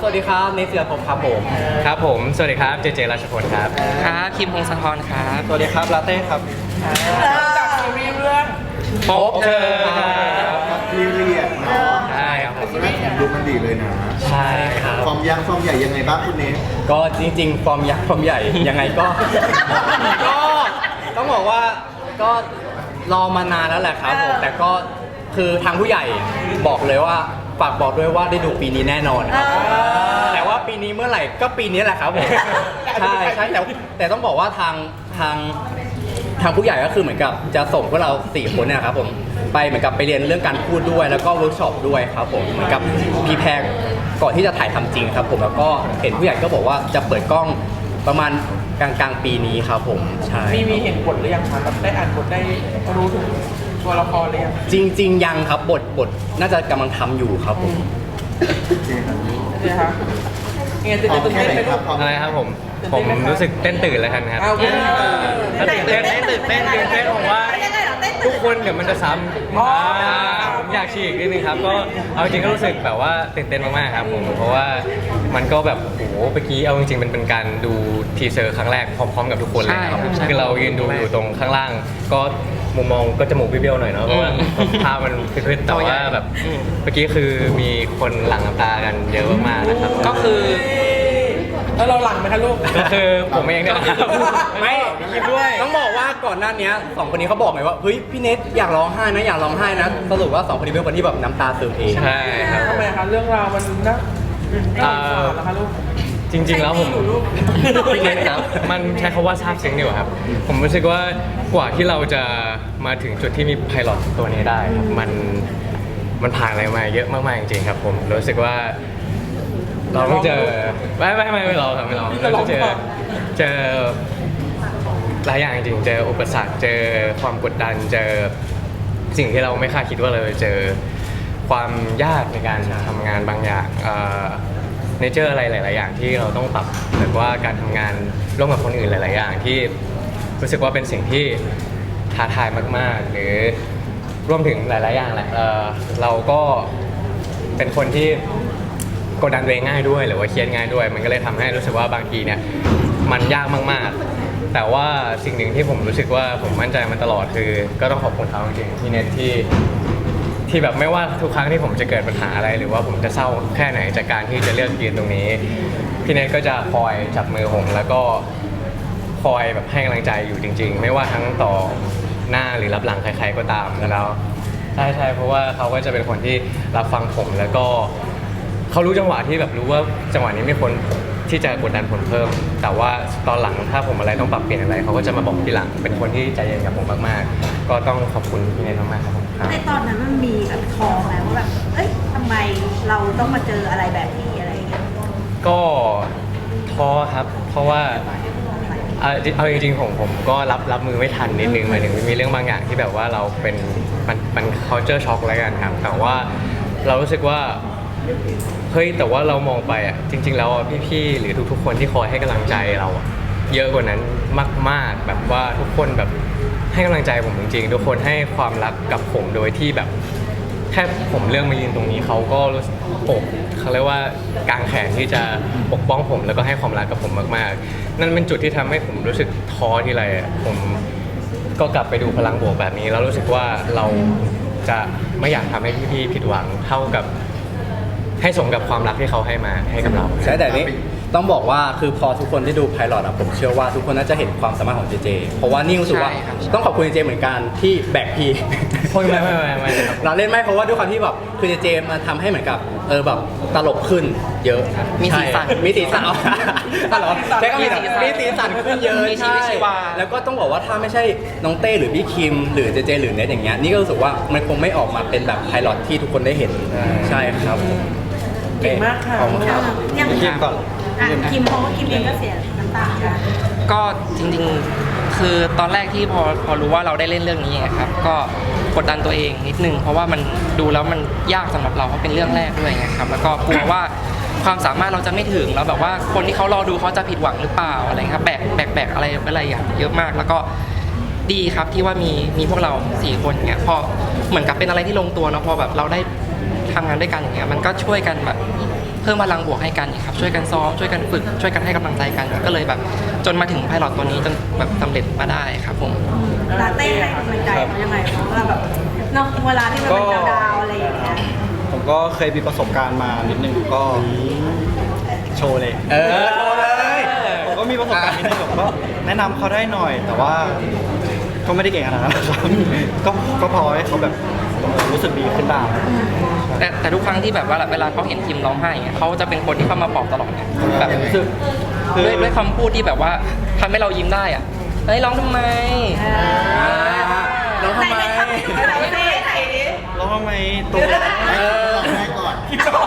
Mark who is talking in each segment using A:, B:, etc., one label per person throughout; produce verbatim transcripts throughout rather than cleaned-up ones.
A: วัสดีครับเนเสือผมครับผม
B: ครับผมสวัสดีครับเจเจราชพลครับ
C: ครับคิมพงศธรครับ
A: สวัสดีครับลาเต้ครับ
D: จากซีรีส์เรื่อง
B: พบเธอ
E: ครับพีเรียดเนาะ
B: ใช่ครับผม
E: ดูมันดีเลยนะ
A: ใช่ครับ
E: ฟอร์มยักษ์ฟอร์มใหญ่ยังไงบ้างคุณเนส
A: ก็จริงๆฟอร์มยักษ์ฟอร์มใหญ่ยังไงก็ ก็ต้องบอกว่าก็รอมานานแล้วแหละครับผมแต่ก็คือทางผู้ใหญ่บอกเลยว่าฝากบอกด้วยว่าได้ดูปีนี้แน่นอนครับแต่ว่าปีนี้เมื่อไหร่ก็ปีนี้แหละครับผมใช่ใช่แต่แต่ต้องบอกว่าทางทางทางผู้ใหญ่ก็คือเหมือนกับจะส่งพวกเราสี่คนเนี่ยครับผมไปเหมือนกับไปเรียนเรื่องการพูดด้วยแล้วก็เวิร์กช็อปด้วยครับผมเหมือนกับพีแพรก่อนที่จะถ่ายทำจริงครับผมแล้วก็เห็นผู้ใหญ่ก็บอกว่าจะเปิดกล้องประมาณกลางกลางปีนี้ครับผมใช่
D: มีมีเห็นบทหรือยังคะแบบได้อ่านบทได้รู้ถึงตัวละครหรือยัง
A: จริง ๆ ยังครับบทบทน่าจะกำลังทำอยู่ครับผม
D: เนี่ยคะเงี้ยจะ
E: พร้อ
D: จะ
E: ม
D: ตื่น
E: แค่
D: เต้น
E: ไหน
D: ไหม
E: ค
D: ลู
E: รับ
D: ก
E: พร้อม
B: อะไรครับผมผมรู้สึกเต้นตื่นแล้วกันครับ
D: เอาไม่ได้
B: ถ้าตื่นเต้นตื่นเต้นตื่นเต้นผมว่าทุกคนเดี๋ยวมันจะซ้ำอ่าผมอยากฉีกนิดนึงครับก็เอาจริงก็รู้สึกแบบว่าตื่นเต้นมากๆครับผมเพราะว่ามันก็แบบโอ้โหเมื่อกี้เอาจริงๆมันเป็นการดูทีเซอร์ครั้งแรกพร้อมๆกับทุกคนเลยครับคือเรายืนดูอยู่ตรงข้างล่างก็มุมมองก็จมูกเบี้ยวๆหน่อยเนาะเพราะว่าภาพมันคือแต่ว่าแบบเมื่อกี้คือมีคนหลั่งน้ำตากันเยอะมากๆนะครับ
C: ก็คือ
D: แล้วเราหลังไหมคะลูก
B: ก็คือผมเองเนี่ยนะครับ
A: ไม่ด้วยต้องบอกว่าก่อนหน้านี้สองคนนี้เขาบอกไงว่าเฮ้ยพี่เนทอยากร้องไห้นะอยากร้องไห้นะสรุปว่าสองคนนี้เป็นคนที่แบบน้ำตาซึมเอง
B: ใช่ครับ
D: ทำไมคะเรื่องราวมันน่าน่าสงสารนะคะลูก
B: จริงๆแล้วผมพี่เนทครับมันใช้คำว่าซาบซึ้งดีกว่าครับ ผมรู้สึกว่ากว่าที่เราจะมาถึงจุดที่มีไพลอตตัวนี้ได้ครับมันมันผ่านอะไรมาเยอะมากๆจริงๆครับผมรู้สึกว่าเราต้องเจอไม่ไม่ไม่ไม่รอครับไม่รอเราต้องเจอเจอหลายอย่างจริงๆเจออุปสรรคเจอความกดดันเจอสิ่งที่เราไม่คาดคิดว่าเราจะเจอความยากในการทำงานบางอย่างเนเจอร์อะไรหลายๆอย่างที่เราต้องปรับหรือว่าการทำงานร่วมกับคนอื่นหลายๆอย่างที่รู้สึกว่าเป็นสิ่งที่ท้าทายมากๆหรือรวมถึงหลายๆอย่างแหละ เ, เราก็เป็นคนที่กดดันตัวเองง่ายด้วยหรือว่าเครียดง่ายด้วยมันก็เลยทำให้รู้สึกว่าบางทีเนี่ยมันยากมากๆแต่ว่าสิ่งหนึ่งที่ผมรู้สึกว่าผมมั่นใจมาตลอดคือก็ต้องขอบคุณเขาจริงๆที่เน็ตที่ที่แบบไม่ว่าทุกครั้งที่ผมจะเกิดปัญหาอะไรหรือว่าผมจะเศร้าแค่ไหนจากการที่จะเลือกยืนตรงนี้พี่เน็ตก็จะคอยจับมือผมแล้วก็คอยแบบให้กำลังใจอยู่จริงๆไม่ว่าทั้งต่อหน้าหรือรับหลังใครๆก็ตามแล้วใช่ใช่เพราะว่าเขาก็จะเป็นคนที่รับฟังผมแล้วก็เขารู้จังหวะที่แบบรู้ว่าจังหวะนี้มีคนที่จะกดดันผมเพิ่มแต่ว่าตอนหลังถ้าผมอะไรต้องปรับเปลี่ยนอะไรเขาก็จะมาบอกทีหลังเป็นคนที่ใจเย็นกับผมมากๆก็ต้องขอบคุณพี่เนทมากๆครับผม
F: ในตอนนั้นมันมีแบบทองไหมว่าแบบเอ้ยทำไมเราต้องมาเจออะไรแบบนี้อะไรอย่างเงี้ย
B: ก็ท้อครับเพราะว่าเอาเอาจริงๆผมผมก็รับรับมือไม่ทันนิดนึงหมายถึงมีเรื่องบางอย่างที่แบบว่าเราเป็นมันมัน culture shock แล้วกันครับแต่ว่าเรารู้สึกว่าเฮ้ยแต่ว่าเรามองไปอ่ะจริงๆแล้วพี่ๆหรือทุกๆคนที่คอยให้กำลังใจเราเยอะกว่านั้นมากๆแบบว่าทุกคนแบบให้กำลังใจผมจริงๆทุกคนให้ความรักกับผมโดยที่แบบแค่ผมเลือกมายืนตรงนี้เขาก็ปกเขาเรียกว่ากางแขนที่จะปกป้องผมแล้วก็ให้ความรักกับผมมากๆนั่นเป็นจุดที่ทำให้ผมรู้สึกท้อทีไรผมก็กลับไปดูพลังบวกแบบนี้แล้วรู้สึกว่าเราจะไม่อยากทำให้พี่ๆผิดหวังเท่ากับให้สมกับความรักที่เขาให้มาให้กับเรา
A: ใช่แต่นี้ต้องบอกว่าคือพอทุกคนได้ดูไพลอตอะผมเชื่อว่าทุกคนน่าจะเห็นความสามารถของเจเจเพราะว่านี่รู้สึกว่าต้องขอบคุณเจเจเหมือนกันที่แบกพี่
B: ไม่ไม่ไม่ไม่
A: เราเล่นไม่เพราะว่าด้วยความที่แบบคือเจเจมาทำให้เหมือนกับเออแบบตลกขึ้นเยอะ
C: มีสีสัน
A: มีสีสันอ๋อเหรอใช่ก็มีมีสีสันขึ้นเยอะใช่แล้วก็ต้องบอกว่าถ้าไม่ใช่น้องเต้หรือพี่คิมหรือเจเจหรือเนทอย่างเงี้ยนี่ก็รู้สึกว่ามันคงไม่ออกมาเป็นแบบไพลอตที่ทุกคนได้เห็นใช่ครับ
D: เก่งมากค่ะ
F: ยังคิมก่อนคิมเพราะว่าคิมเองก็เสียน้ำตากัน
C: ก็จริงๆคือตอนแรกที่พอพอรู้ว่าเราได้เล่นเรื่องนี้ครับก็กดดันตัวเองนิดนึงเพราะว่ามันดูแล้วมันยากสำหรับเราเพราะเป็นเรื่องแรกด้วยไงครับแล้วก็กลัวว่าความสามารถเราจะไม่ถึงแล้วแบบว่าคนที่เขารอดูเขาจะผิดหวังหรือเปล่าอะไรครับแบกแบกแบกอะไรอะไรอย่างเยอะมากแล้วก็ดีครับที่ว่ามีมีพวกเราสี่คนเงี้ยพอเหมือนกับเป็นอะไรที่ลงตัวเนาะพอแบบเราได้ทำงานด้วยกันอย่างเงี้ยมันก็ช่วยกันแบบพิ่มพลังบวกให้กันครับช่วยกันซ้อมช่วยกันฝึกช่วยกันให้กำลังใจกันก็เลยแบบจนมาถึงไพลอตตัวนี้จนแบบสำเร็จมาได้ครับผม
F: ลาเต้ให้กำลังใจเขายังไงเพราะว่าแบบเนาะเวลาที่มันเป็นดาวๆอะไรอย่างเงี้ย
G: ผมก็เคยมีประสบการณ์มานิดนึงก็โชว์เลย
A: เออโชว์เลย
G: ผมก็มีประสบการณ์นิดนึงผมก็แนะนำเขาได้หน่อย แต่ว่าก็ไม่ได้เก่งขนาดนั้นนะครับก็ก็พอให้เขาแบบรู้สึกดีขึ้นบ้าง
C: แต่แต่ทุกครั้งที่แบบว่าเวลาเขาเห็นพิมร้องไห้เงี้ยเขาจะเป็นคนที่เข้ามาปลอบตลอดนะแบบ
G: คือคือ
C: ด้วยด้วยคำพูดที่แบบว่าทำให้เรายิ้มได้อ่ะเฮ้ยร้องทำไม
A: น้องทำไม
F: ไหนๆทำให้ดูหน่อยสิไหนดิ
G: ร้องทำไมตัว
E: ให้ลองแรกก่อน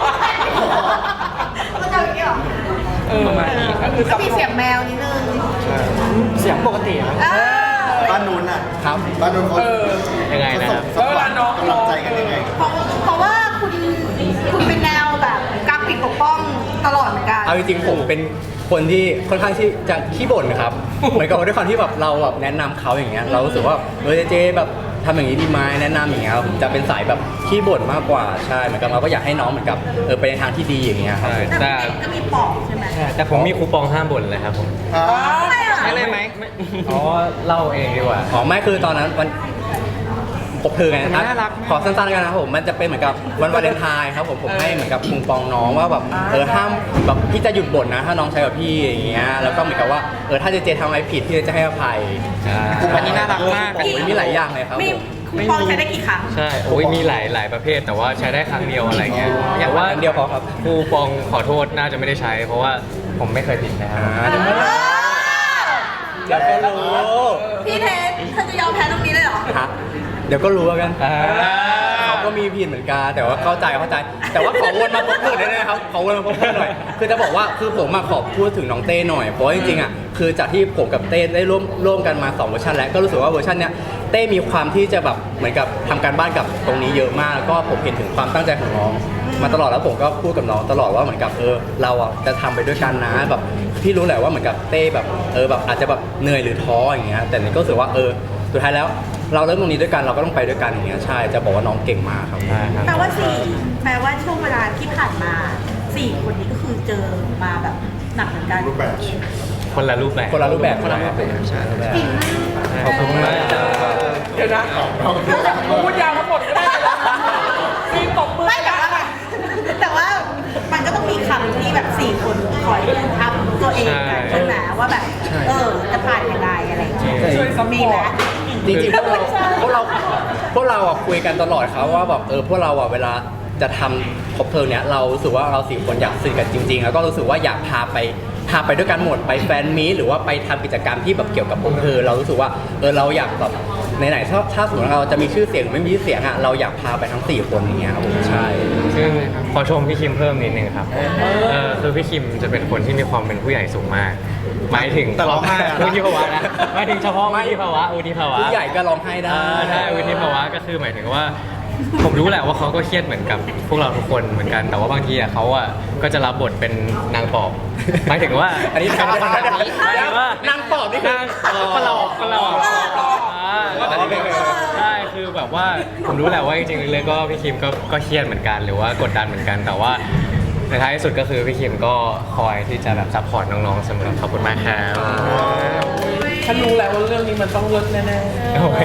F: ก็จะอย่างนี้หรอ
C: ประมาณนี้ครับ
F: ก็มีเสียงแมวนิดนึง
G: เสียงปกติครับ
F: เออ
E: บ้านนู้นน่ะ
A: ครับ
E: บ้านนู้นเขา
B: ยังไง
E: เขา
B: นะค
E: ส่
B: รับ
E: งสปอร์ตกำลังใจกันยังไง
F: เพราะเพราะว่าคุณคุณเป็นแนวแบบกราฟิกปกป้องตลอดเหมือนกัน
A: เอาจริงๆผมเป็นคนที่ค่อนข้างที่จะขี้บ่นนะครับ เหมือนกับว่าด้วยความที่แบบเราแบบแนะนำเขาอย่างเงี้ยเรารู้สึกว่าเออเจแบบทำอย่างนี้ดีไหมแนะนำอย่างเงี้ยครับจะเป็นสายแบบขี้บ่นมากกว่าใช่เหมือนกับเราก็อยากให้น้องเหมือนกับเออไปในทางที่ดีอย่างเงี้ยครับ
B: ใช่
F: แต่
B: แต่
F: พี่เด็กก็มีปอกใช่ไหม
B: แต่ผมมีคูปองห้ามบ่นเลยครับผม
F: อะไรอ่ะ
C: ใช่เลยไหม
B: อ๋อเล่าเองดีกว่า
A: อ๋อไม่คือตอนนั้นวันผมคือไง
C: มันน่ารักมาก
A: ขอสั้นๆกันนะครับผมมันจะเป็นเหมือนกับวันวาเลนไทน์ครับผมผมให้เหมือนกับคุงปองน้องว่าแบบเออห้ามแบบพี่จะหยุดบ่นนะ ถ้าน้องใช้กับพี่อย่างเงี้ยแล้วก็เหมือนกับว่าเออถ้าเจเจทำอะไรผิดพี่จะให้อภัย
C: อันนี้น่ารักมาก
A: โอ้ยมีหลายอย่างเลยครับ
F: มี
A: ผม
F: คุณปองใช้ได้กี่ครั้ง
B: ใช่ โอ้ยมีหลายหลายประเภท แต่ว่าใช้ได้ครั้งเดียวอะไรเงี้ย
A: อยากว่าอันเดียวพอครับ
B: ครูปองขอโทษน่าจะไม่ได้ใช้ เพราะว่าผมไม่เคยผิดนะครับ
A: อ่าเดี๋ยวก็รู้
F: พี่เทสเธอจะยอมแพ้ตรงนี้เลยเหรอ
A: ฮะเดี๋ยวก็รู้แล้วกัน
B: อ่า
A: เขาก็มีผิดเหมือนกันแต่ว่าเข้าใจเข้าใจ แต่ว่าขอวนมาพบเพื่อนได้ไหมครับขอวนมาพบเพื่อนหน่อย คือจะบอกว่าคือผมมาขอพูดถึงน้องเต้หน่อยเพราะว่าจริงๆอ่ะคือจากที่ผมกับเต้ได้ร่วมร่วมกันมาสองเวอร์ชันแล้วก็รู้สึกว่าเวอร์ชันเนี้ยเต้มีความที่จะแบบเหมือนกับทำการบ้านกับตรงนี้เยอะมากแล้วก็ผมเห็นถึงความตั้งใจของน้อง มาตลอดแล้วผมก็พูดกับน้องตลอดว่าเหมือนกับเออเราอ่ะจะทำไปด้วยกันนะแบบพี่รู้แหละว่าเหมือนกับเต้แบบเออแบบอาจจะแบบเหนื่อยหรือท้ออย่างเงี้ยแต่นี่ก็รู้สึกว่าเออสุดท้ายแล้ว เราเริ่มตรงนี้ด้วยกันเราก็ต้องไปด้วยกันอย่างเงี้ยใช่จะบอกว่าน้องเก่งมากครับ
B: ใช่ครับ
F: แปลว่าสี่แปลว่าช่วงเวลาที่ผ่านมาสี่คนนี้ก็คือเจอมาแบบหนักเหมือนกัน
E: รูปแบบ
B: คนละรูปแบบ
A: คนละรูปแบบ
C: คนละรูปแบบใช่
A: ขอบคุณมาก
D: เดี๋ยวนะพูดยาวทั้งหมดก็ได้เลยมีตบมือ
F: ไม่แต่ว่าแต่ว่ามันก็ต้องมีคำที่แบบสี่คนคอยทับตัวเองกันใช่ไหมว่าแบบเออจะผ่านยังไงอะไรอย่างเงี้ย
D: ช่วยซัพพ
F: มี
D: อ
F: ไหม
D: ร์ต
A: จริงๆพวกเราพวกเราพวกเราอ่ะคุยกันตลอดครับว่าแบบเออพวกเราอ่ะเวลาจะทำครบเพลิงเนี้ยเรารู้สึกว่าเราสี่คนอยากสนิทกันจริงๆ แล้วก็รู้สึกว่าอยากพาไปพาไปด้วยกันหมดไปแฟนมีตหรือว่าไปทำกิจกรรมที่แบบเกี่ยวกับครบเพลิงเรารู้สึกว่าเออเราอยากแบบไหนๆถ้าถ้าสมมติเราจะมีชื่อเสียงหรือไม่มีชื่อเสียงอ่ะเราอยากพาไปทั้งสี่คนอย่างเงี้ยครับผมใช่
B: ซึ่งขอชมพี่คิมเพิ่มนิดนึงครับ เออคือพี่คิมจะเป็นคนที่มีความเป็นผู้ใหญ่สูงมาก หมายถึง
G: แต่ร้องไห้อะนะ
B: วุฒิภาวะนะหมายถึงเฉพาะวุฒิภาวะวุฒิภาวะ
A: ผู้ใหญ่ก็ร้องไห้ได้
B: อ่าใช่วุฒิภาวะก็คือหมายถึงว่า ผมรู้แหละว่าเขาก็เครียดเหมือนกับพวกเราทุกคนเหมือนกัน แต่ว่าบางทีอ่ะเขาอ่ะก็จะรับบทเป็นนางปอบหมายถึงว่า
A: อันนี้
B: เป็นคนแบบนี้หมายถึงว่าน
A: างปอบนี่คือน
B: างปลอกปลอกอ่าก็แบบใช่คือแบบว่าผมรู้แหละว่าจริงๆเลยๆก็พี่คิมก็ก็เครียดเหมือนกันหรือว่ากดดันเหมือนกัน แต่ว่าในท้ายที่สุดก็คือพี่คิมก็คอยที่จะแบบซัพพอร์ตน้องๆเสมอขอบคุณมากครับ
D: ฉันรู้แล้วว่าเรื่องนี้มันต้องเลิศแน่
B: โอเค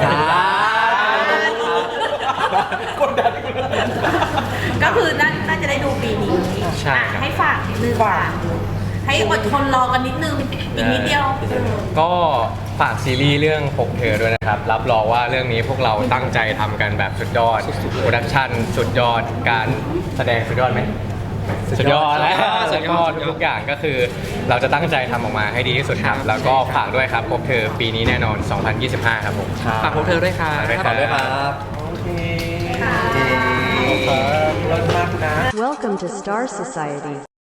D: ๆกดดันกูเลย
F: ก็คือน่าน่าจะได้ดูปีนี้
B: ใช่ครับ
F: อ่ะให้ฝากนิดนึงฝากให้อดทนรอกันนิดนึงอีกนิดเดียว
B: ก็ฝากซีรีส์เรื่องพกเธอด้วยนะครับ รับรองว่าเรื่องนี้พวกเราตั้งใจทำกันแบบสุดยอดโปรดักชั่นสุดยอดการแสดงสุดยอดไหมสุดยอดแล้วสุดยอดทุกๆอย่างก็คือ เราจะตั้งใจทำออกมาให้ดีที่สุดครับ แล้วก็ฝากด้วยครับพบเธอปีนี้แน่นอน สองพันยี่สิบห้า ครับผม
C: ฝากพวกเธอด้วยค่ะ
A: ขอบคุณครับ
D: โอเคเลิศมากนะ
H: Welcome to Star Society.